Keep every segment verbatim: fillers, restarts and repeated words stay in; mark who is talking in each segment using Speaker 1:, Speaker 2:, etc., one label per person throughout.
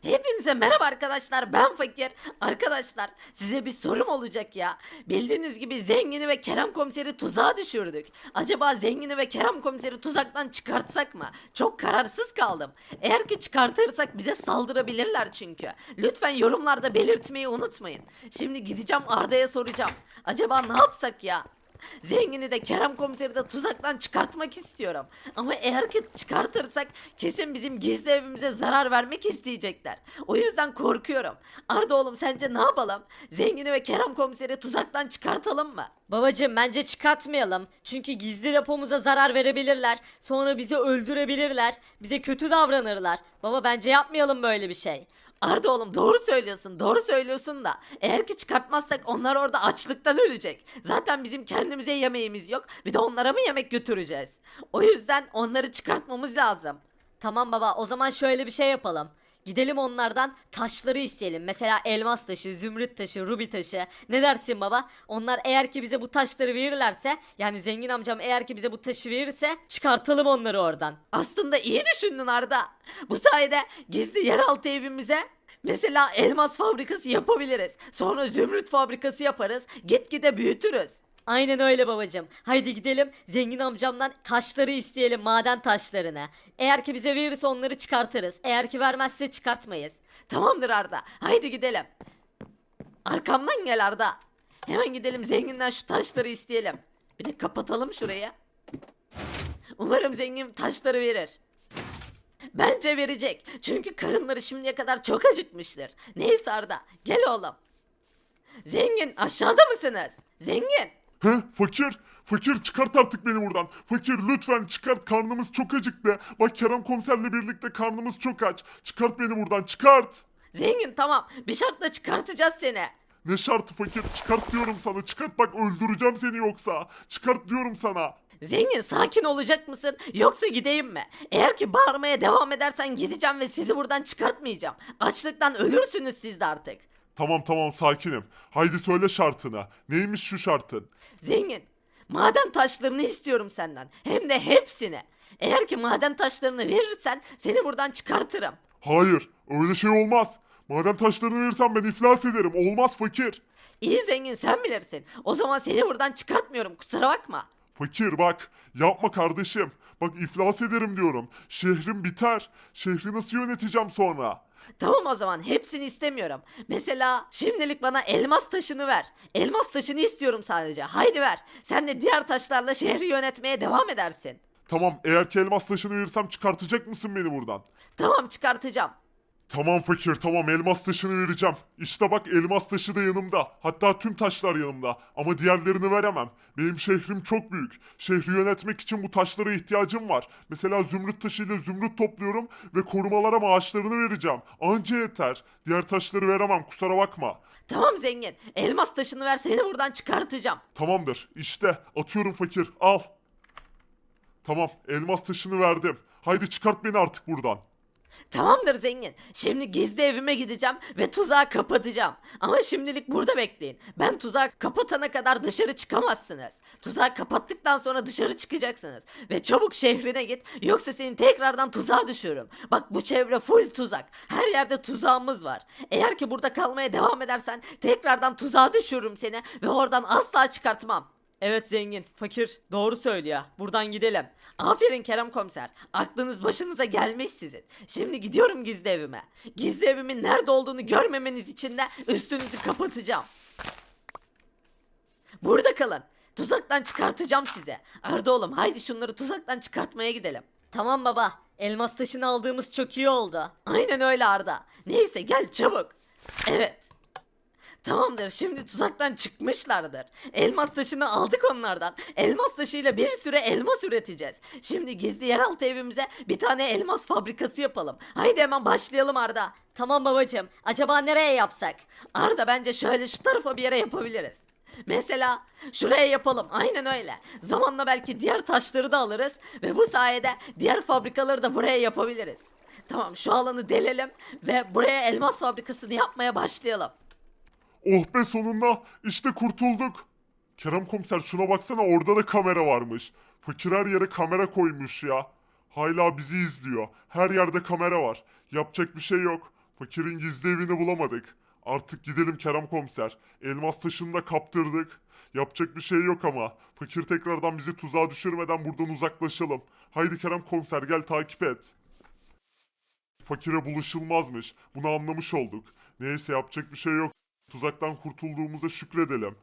Speaker 1: Hepinize merhaba arkadaşlar, ben Fakir. Arkadaşlar, size bir sorum olacak ya. Bildiğiniz gibi Zengin'i ve Kerem Komiser'i tuzağa düşürdük. Acaba Zengin'i ve Kerem Komiser'i tuzaktan çıkartsak mı? Çok kararsız kaldım. Eğer ki çıkartırsak bize saldırabilirler çünkü. Lütfen yorumlarda belirtmeyi unutmayın. Şimdi gideceğim Arda'ya soracağım. Acaba ne yapsak ya? Zengin'i de Kerem Komiser'i de tuzaktan çıkartmak istiyorum. Ama eğer ki çıkartırsak kesin bizim gizli evimize zarar vermek isteyecekler. O yüzden korkuyorum. Arda oğlum, sence ne yapalım? Zengin'i ve Kerem Komiser'i tuzaktan çıkartalım mı?
Speaker 2: Babacım bence çıkartmayalım. Çünkü gizli depomuza zarar verebilirler. Sonra bizi öldürebilirler. Bize kötü davranırlar. Baba bence yapmayalım böyle bir şey.
Speaker 1: Arda oğlum, doğru söylüyorsun, doğru söylüyorsun da eğer ki çıkartmazsak onlar orada açlıktan ölecek. Zaten bizim kendimize yemeğimiz yok, bir de onlara mı yemek götüreceğiz? O yüzden onları çıkartmamız lazım.
Speaker 2: Tamam baba, o zaman şöyle bir şey yapalım. Gidelim onlardan taşları isteyelim. Mesela elmas taşı, zümrüt taşı, rubi taşı. Ne dersin baba? Onlar eğer ki bize bu taşları verirlerse, yani zengin amcam eğer ki bize bu taşı verirse çıkartalım onları oradan.
Speaker 1: Aslında iyi düşündün Arda. Bu sayede gizli yeraltı evimize mesela elmas fabrikası yapabiliriz. Sonra zümrüt fabrikası yaparız. Gitgide büyütürüz.
Speaker 2: Aynen öyle babacım. Haydi gidelim zengin amcamdan taşları isteyelim, maden taşlarını. Eğer ki bize verirse onları çıkartırız. Eğer ki vermezse çıkartmayız.
Speaker 1: Tamamdır Arda. Haydi gidelim. Arkamdan gel Arda. Hemen gidelim zenginden şu taşları isteyelim. Bir de kapatalım şurayı. Umarım zengin taşları verir. Bence verecek. Çünkü karınları şimdiye kadar çok acıkmıştır. Neyse Arda, gel oğlum. Zengin, aşağıda mısınız? Zengin.
Speaker 3: He fakir. Fakir çıkart artık beni buradan. Fakir lütfen çıkart, karnımız çok acıktı. Bak Kerem komiserle birlikte karnımız çok aç. Çıkart beni buradan, çıkart.
Speaker 1: Zengin, tamam, bir şartla çıkartacağız seni.
Speaker 3: Ne şartı fakir, çıkart diyorum sana, çıkart, bak öldüreceğim seni yoksa. Çıkart diyorum sana.
Speaker 1: Zengin, sakin olacak mısın yoksa gideyim mi? Eğer ki bağırmaya devam edersen gideceğim ve sizi buradan çıkartmayacağım. Açlıktan ölürsünüz siz de artık.
Speaker 3: Tamam tamam sakinim. Haydi söyle şartını. Neymiş şu şartın?
Speaker 1: Zengin, maden taşlarını istiyorum senden. Hem de hepsini. Eğer ki maden taşlarını verirsen seni buradan çıkartırım.
Speaker 3: Hayır, öyle şey olmaz. Maden taşlarını verirsen ben iflas ederim. Olmaz fakir.
Speaker 1: İyi zengin, sen bilirsin. O zaman seni buradan çıkartmıyorum, kusura bakma.
Speaker 3: Fakir bak, yapma kardeşim. Bak iflas ederim diyorum. Şehrim biter. Şehri nasıl yöneteceğim sonra?
Speaker 1: Tamam, o zaman hepsini istemiyorum. Mesela şimdilik bana elmas taşını ver. Elmas taşını istiyorum sadece. Haydi ver. Sen de diğer taşlarla şehri yönetmeye devam edersin.
Speaker 3: Tamam, eğer ki elmas taşını verirsem çıkartacak mısın beni buradan?
Speaker 1: Tamam, çıkartacağım.
Speaker 3: Tamam fakir, tamam, elmas taşını vereceğim. İşte bak, elmas taşı da yanımda. Hatta tüm taşlar yanımda. Ama diğerlerini veremem. Benim şehrim çok büyük. Şehri yönetmek için bu taşlara ihtiyacım var. Mesela zümrüt taşıyla zümrüt topluyorum ve korumalara maaşlarını vereceğim. Anca yeter. Diğer taşları veremem, kusura bakma.
Speaker 1: Tamam zengin. Elmas taşını ver, seni buradan çıkartacağım.
Speaker 3: Tamamdır. İşte atıyorum fakir. Al. Tamam, elmas taşını verdim. Haydi çıkart beni artık buradan.
Speaker 1: Tamamdır zengin. Şimdi gizli evime gideceğim ve tuzağı kapatacağım. Ama şimdilik burada bekleyin. Ben tuzağı kapatana kadar dışarı çıkamazsınız. Tuzağı kapattıktan sonra dışarı çıkacaksınız. Ve çabuk şehrine git, yoksa seni tekrardan tuzağa düşürürüm. Bak, bu çevre full tuzak. Her yerde tuzağımız var. Eğer ki burada kalmaya devam edersen tekrardan tuzağa düşürürüm seni ve oradan asla çıkartmam.
Speaker 2: Evet zengin, fakir doğru söylüyor. Buradan gidelim.
Speaker 1: Aferin Kerem komiser. Aklınız başınıza gelmiş sizin. Şimdi gidiyorum gizli evime. Gizli evimin nerede olduğunu görmemeniz için de üstünüzü kapatacağım. Burada kalın. Tuzaktan çıkartacağım size. Arda oğlum, haydi şunları tuzaktan çıkartmaya gidelim.
Speaker 2: Tamam baba, elmas taşını aldığımız çok iyi oldu.
Speaker 1: Aynen öyle Arda. Neyse, gel çabuk. Evet. Tamamdır, şimdi tuzaktan çıkmışlardır. Elmas taşını aldık onlardan. Elmas taşıyla bir süre elmas üreteceğiz. Şimdi gizli yeraltı evimize bir tane elmas fabrikası yapalım. Haydi hemen başlayalım Arda.
Speaker 2: Tamam babacım, acaba nereye yapsak?
Speaker 1: Arda, bence şöyle şu tarafa bir yere yapabiliriz. Mesela şuraya yapalım, aynen öyle. Zamanla belki diğer taşları da alırız ve bu sayede diğer fabrikaları da buraya yapabiliriz. Tamam, şu alanı delelim ve buraya elmas fabrikasını yapmaya başlayalım.
Speaker 3: Oh be, sonunda işte kurtulduk. Kerem komiser şuna baksana, orada da kamera varmış. Fakir her yere kamera koymuş ya. Hala bizi izliyor. Her yerde kamera var. Yapacak bir şey yok. Fakirin gizli evini bulamadık. Artık gidelim Kerem komiser. Elmas taşını da kaptırdık. Yapacak bir şey yok ama. Fakir tekrardan bizi tuzağa düşürmeden buradan uzaklaşalım. Haydi Kerem komiser gel takip et. Fakire bulaşılmazmış. Bunu anlamış olduk. Neyse yapacak bir şey yok. Tuzaktan kurtulduğumuza şükredelim.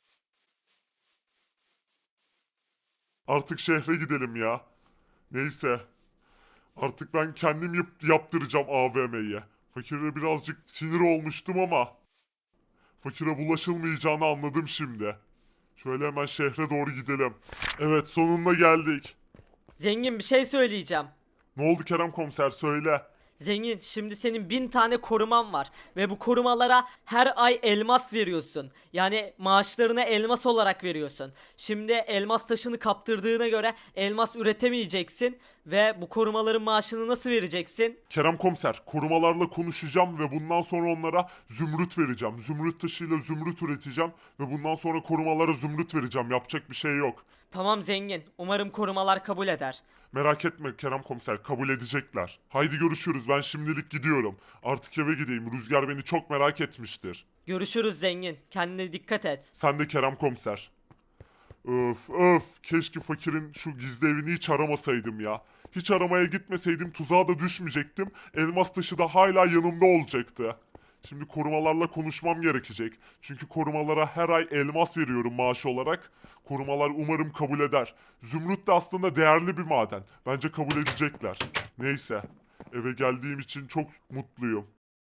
Speaker 3: Artık şehre gidelim ya. Neyse. Artık ben kendim yap- yaptıracağım A V M'yi. Fakire birazcık sinir olmuştum ama fakire bulaşılmayacağını anladım şimdi. Şöyle hemen şehre doğru gidelim. Evet, sonunda geldik.
Speaker 2: Zengin bir şey söyleyeceğim.
Speaker 3: Ne oldu Kerem komiser, söyle.
Speaker 2: Zengin, şimdi senin bin tane koruman var ve bu korumalara her ay elmas veriyorsun. Yani maaşlarını elmas olarak veriyorsun. Şimdi elmas taşını kaptırdığına göre elmas üretemeyeceksin ve bu korumaların maaşını nasıl vereceksin?
Speaker 3: Kerem komiser, korumalarla konuşacağım ve bundan sonra onlara zümrüt vereceğim. Zümrüt taşıyla zümrüt üreteceğim ve bundan sonra korumalara zümrüt vereceğim. Yapacak bir şey yok.
Speaker 2: Tamam zengin, umarım korumalar kabul eder.
Speaker 3: Merak etme Kerem komiser, kabul edecekler. Haydi görüşürüz, ben şimdilik gidiyorum. Artık eve gideyim, Rüzgar beni çok merak etmiştir.
Speaker 2: Görüşürüz zengin, kendine dikkat et.
Speaker 3: Sen de Kerem komiser. Öf öf, keşke fakirin şu gizli evini hiç aramasaydım ya. Hiç aramaya gitmeseydim tuzağa da düşmeyecektim. Elmas taşı da hala yanımda olacaktı. Şimdi korumalarla konuşmam gerekecek. Çünkü korumalara her ay elmas veriyorum maaş olarak. Korumalar umarım kabul eder. Zümrüt de aslında değerli bir maden. Bence kabul edecekler. Neyse. Eve geldiğim için çok mutluyum.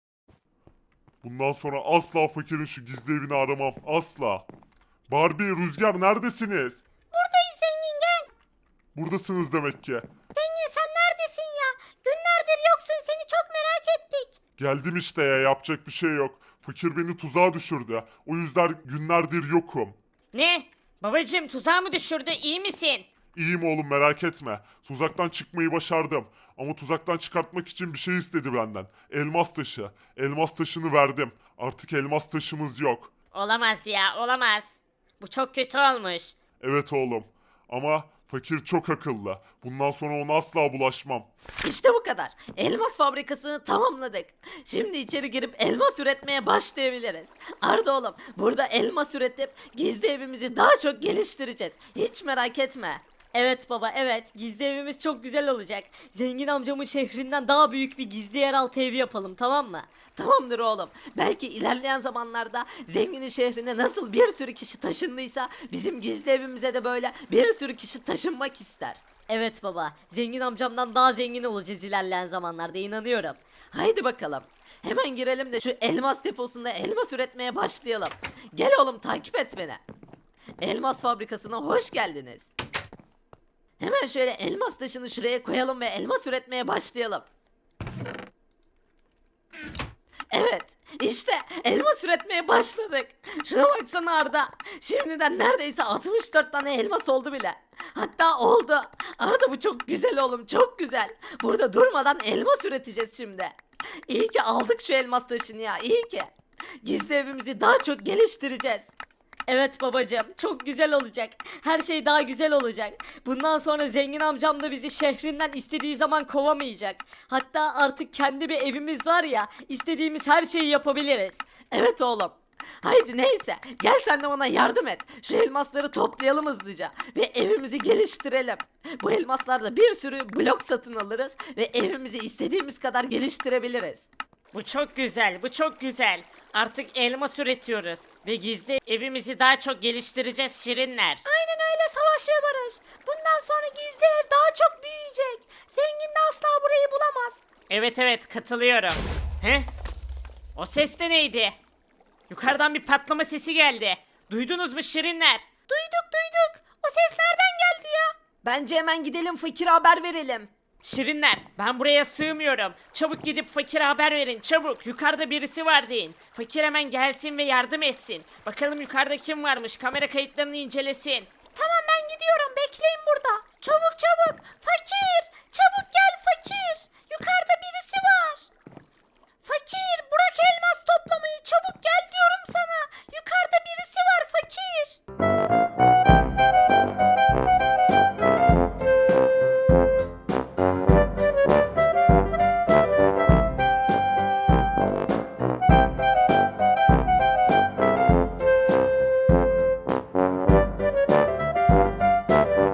Speaker 3: Bundan sonra asla fakirin şu gizli evini aramam. Asla. Barbie, Rüzgar neredesiniz?
Speaker 1: Buradayız zengin, gel.
Speaker 3: Buradasınız demek ki.
Speaker 1: Zengin sen neredesin ya? Günlerdir yoksun, seni çok merak ettik.
Speaker 3: Geldim işte ya, yapacak bir şey yok. Fakir beni tuzağa düşürdü. O yüzden günlerdir yokum.
Speaker 4: Ne? Babacım tuzağa mı düşürdü? İyi misin?
Speaker 3: İyiyim oğlum, merak etme. Tuzaktan çıkmayı başardım. Ama tuzaktan çıkartmak için bir şey istedi benden. Elmas taşı. Elmas taşını verdim. Artık elmas taşımız yok.
Speaker 4: Olamaz ya, olamaz. Bu çok kötü olmuş.
Speaker 3: Evet oğlum. Ama fakir çok akıllı. Bundan sonra ona asla bulaşmam.
Speaker 1: İşte bu kadar. Elmas fabrikasını tamamladık. Şimdi içeri girip elmas üretmeye başlayabiliriz. Arda oğlum, burada elmas üretip gizli evimizi daha çok geliştireceğiz. Hiç merak etme.
Speaker 2: Evet baba, evet, gizli evimiz çok güzel olacak. Zengin amcamın şehrinden daha büyük bir gizli yeraltı evi yapalım, tamam mı?
Speaker 1: Tamamdır oğlum. Belki ilerleyen zamanlarda zenginin şehrine nasıl bir sürü kişi taşındıysa bizim gizli evimize de böyle bir sürü kişi taşınmak ister.
Speaker 2: Evet baba, zengin amcamdan daha zengin olacağız ilerleyen zamanlarda, inanıyorum.
Speaker 1: Haydi bakalım. Hemen girelim de şu elmas deposunda elmas üretmeye başlayalım. Gel oğlum, takip et beni. Elmas fabrikasına hoş geldiniz. Hemen şöyle elmas taşını şuraya koyalım ve elmas üretmeye başlayalım. Evet, işte elmas üretmeye başladık. Şuna baksana Arda. Şimdiden neredeyse altmış dört tane elmas oldu bile. Hatta oldu. Arda bu çok güzel oğlum, çok güzel. Burada durmadan elmas üreteceğiz şimdi. İyi ki aldık şu elmas taşını ya, iyi ki. Gizli evimizi daha çok geliştireceğiz.
Speaker 2: Evet babacığım, çok güzel olacak. Her şey daha güzel olacak. Bundan sonra zengin amcam da bizi şehrinden istediği zaman kovamayacak. Hatta artık kendi bir evimiz var ya, istediğimiz her şeyi yapabiliriz.
Speaker 1: Evet oğlum. Haydi neyse, gel sen de bana yardım et. Şu elmasları toplayalım hızlıca ve evimizi geliştirelim. Bu elmaslarda bir sürü blok satın alırız ve evimizi istediğimiz kadar geliştirebiliriz.
Speaker 4: Bu çok güzel, bu çok güzel. Artık elmas üretiyoruz ve gizli evimizi daha çok geliştireceğiz şirinler.
Speaker 1: Aynen öyle Savaş ve Barış. Bundan sonra gizli ev daha çok büyüyecek. Zengin de asla burayı bulamaz.
Speaker 4: Evet evet katılıyorum. He? O ses de neydi? Yukarıdan bir patlama sesi geldi. Duydunuz mu şirinler?
Speaker 1: Duyduk duyduk. O ses nereden geldi ya? Bence hemen gidelim fakire haber verelim.
Speaker 4: Şirinler ben buraya sığmıyorum. Çabuk gidip fakire haber verin çabuk. Yukarıda birisi var deyin. Fakir hemen gelsin ve yardım etsin. Bakalım yukarıda kim varmış, kamera kayıtlarını incelesin.
Speaker 1: Tamam ben gidiyorum. Bekleyin burada. Çabuk çabuk. Fakir. Çabuk gel fakir. Yukarıda birisi var. Fakir bırak elmas toplamayı. Çabuk gel diyorum sana. Yukarıda birisi var fakir.
Speaker 3: Aa,